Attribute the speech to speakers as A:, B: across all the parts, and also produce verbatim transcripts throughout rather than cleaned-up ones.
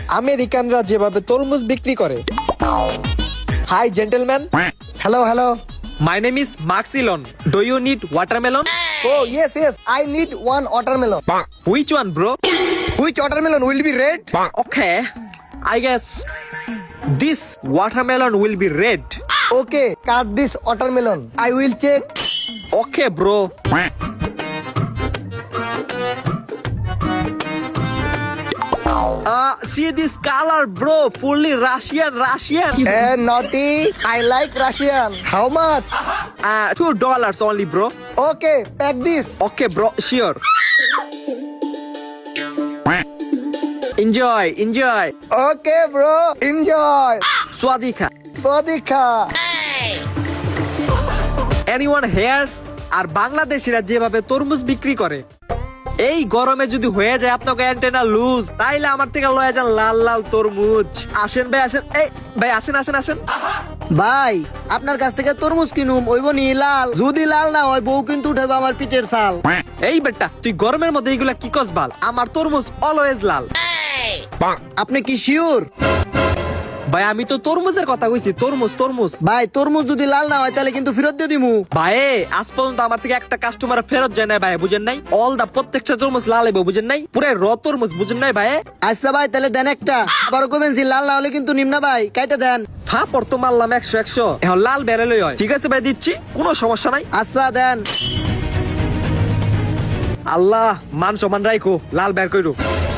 A: আমেরিকানরা যেভাবে তরমুজ বিক্রি করে। Hi gentleman,
B: Hello, hello.
A: My name is মার্কসিলন, do you need watermelon?
B: Oh, yes, yes. I need one watermelon.
A: Which one bro?
B: Which watermelon will be red?
A: Okay, I guess this watermelon will be red.
B: Okay, cut this watermelon. I will check.
A: Okay, bro. Uh, see this color, bro. Fully Russian, Russian.
B: Eh, naughty. I like Russian. How much?
A: Uh, two dollars only, bro.
B: Okay, pack this.
A: Okay, bro. Sure. Enjoy, enjoy.
B: Okay, bro. Enjoy.
A: Swadika.
B: Swadika.
A: Anyone here? আর বাংলাদেশিরা যেভাবে তরমুজ বিক্রি করে, এই গরমে যদি হয়ে যায় আপনাকে অ্যান্টেনা লুজ, তাইলে আমার থেকে লয়ে যান লাল লাল তরমুজ। আসেন ভাই আসেন, এই ভাই আসেন আসেন আসেন।
C: ভাই আপনার কাছ থেকে তরমুজ কিনুম ওইব নি লাল, যদি লাল না হয় বউ কিন্তু উঠাবে আমার পিঠের ছাল।
A: এই বেটা তুই গরমের মধ্যে এইগুলা কি কস বাল? আমার তরমুজ অলওয়েজ লাল।
C: আপনি কি শিওর?
A: ভাই আমি তো তরমুজের কথা কইছি, তরমুজ তরমুজ।
C: ভাই তরমুজ যদি লাল না হয় তাহলে কিন্তু ফেরত দিয়ে দিমু।
A: ভাই আজ পর্যন্ত আমার থেকে একটা কাস্টমার ফেরত যায় না ভাই, বুঝেন নাই? অল দা প্রত্যেকটা তরমুজ লাল হইব, বুঝেন নাই? পুরো র তরমুজ, বুঝেন নাই ভাই?
C: আচ্ছা ভাই তাহলে দেন একটা, আবারও কবেন লাল না হলে কিন্তু নিম না ভাই, কাইটা দেন।
A: ফাপড় তো মারলাম একশো একশো, এখন লাল বেরোলেই হয়। ঠিক আছে ভাই দিচ্ছি, কোনো সমস্যা নাই।
C: আচ্ছা দেন।
A: আল্লাহ মান সমান রাখো, লাল বের কইরো।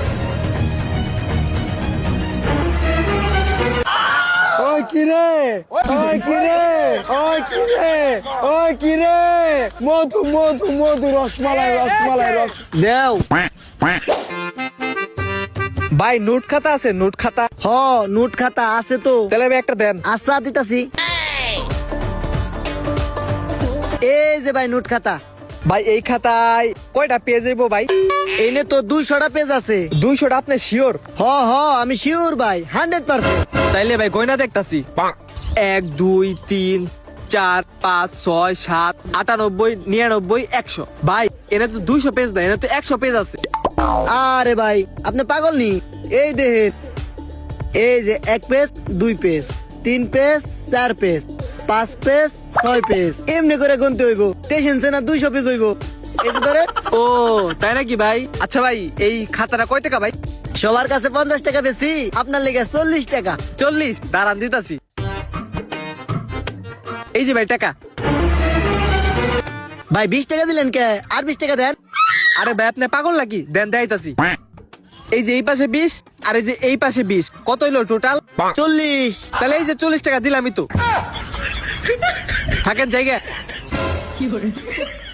B: ওই কিরে ওই কিরে ওই কিরে ওই কিরে মধু মধু মধু রসমালাই রসমালাই রস
C: দেও।
A: ভাই নোট খাতা আছে? নোট খাতা
C: হ নোট খাতা আছে তো।
A: তাহলে ভাই একটা দেন।
C: আচ্ছা দিতাছি। এই যে ভাই নোট খাতা।
A: ভাই এই খাতায় কয়টা পেজ হইব ভাই?
C: এনে তো দুইশোটা পেজ আছে।
A: দুইশোটা আপনি শিওর?
C: হ হ আমি শিওর ভাই, হান্ড্রেড পার্সেন্ট।
A: তাইলে ভাই গয়না দেখতাছি। এক দুই তিন চার পাঁচ ছয় সাত আটানব্বই নিরানব্বই একশো। ভাই এনে তো দুইশো পেজ না, এনে তো একশো পেজ আছে।
C: আরে ভাই আপনি পাগল নি? এই দেখেন, এই যে এক পেজ, দুই পেজ, তিন পেজ, চার পেজ, পাঁচ পেজ, ছয় পেজ, এমনি করে গুনতে হইব। টেনশন না দুইশো পেজ হইব। এই যে ধরে।
A: ও তাই নাকি ভাই? আচ্ছা ভাই এই খাতাটা কয় টাকা ভাই?
C: সবার কাছে পঞ্চাশ টাকা বেশি, আপনার লেগে চল্লিশ টাকা।
A: চল্লিশ? দাঁড়ান দিতাছি। এই যে ভাই টাকা।
C: ভাই বিশ টাকা দিলেন কে? আর বিশ টাকা দেন।
A: আরে ভাই আপনি পাগল নাকি? দেন দেখাইতাছি। এই যে এই পাশে বিশ আর এই যে এই পাশে বিশ, কত হইলো টোটাল?
C: চল্লিশ।
A: তাহলে এই যে চল্লিশ টাকা দিলামই তো। থাকেন জায়গা।